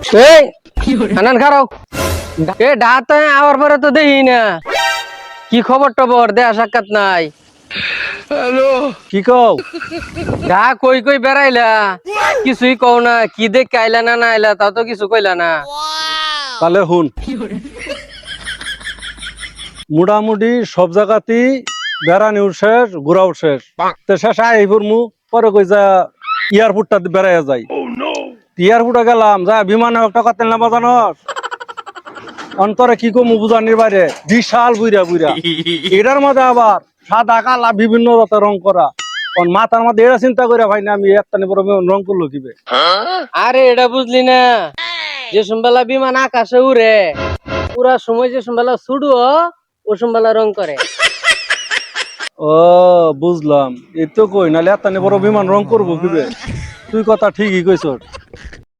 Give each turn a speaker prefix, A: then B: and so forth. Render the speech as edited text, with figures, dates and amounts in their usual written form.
A: এই আনান খারাও এ ডাত আওয়ার পরে তো দেখি না কি খবর টবর দেয়া সাক্ষাৎ নাই।
B: হ্যালো
C: কি কও?
A: ডা কই কই বেড়াইলা কিছুই কও না, কি দেখ আইলা না না আইলা তা তো কিছু কইলা না।
C: তাহলে হুন, মোটামুটি সব জায়গাতেই বেড়ানি শেষ, ঘোরাও শেষ। তো শেষ আইপুর মু পরে কই যা এয়ারপোর্টটা বেড়াইয়া যাই। এয়ারপোর্টে গেলাম যা বিমানে একটা কথা না বাজানোস অন্তরে কি কমু বুঝানির বাইরে বিশাল বুইরা বুইরা এটার মধ্যে আবার সাদা কালা বিভিন্ন রকমের রং করা। মাথার মধ্যে এটা চিন্তা করে ভাই না আমি একটা বড় রং করলো কিবে।
A: আরে এটা বুঝলি না, যে সম্বেলা বিমান আকাশে উড়ে পুরা সময় যে সম্বেলা ছুড়ু ও সম্বেলা রং করে।
C: ও বুঝলাম, এই তো কই নাহলে এত বড় বিমান রং করবো কিবে। তুই কথা ঠিকই কইছ।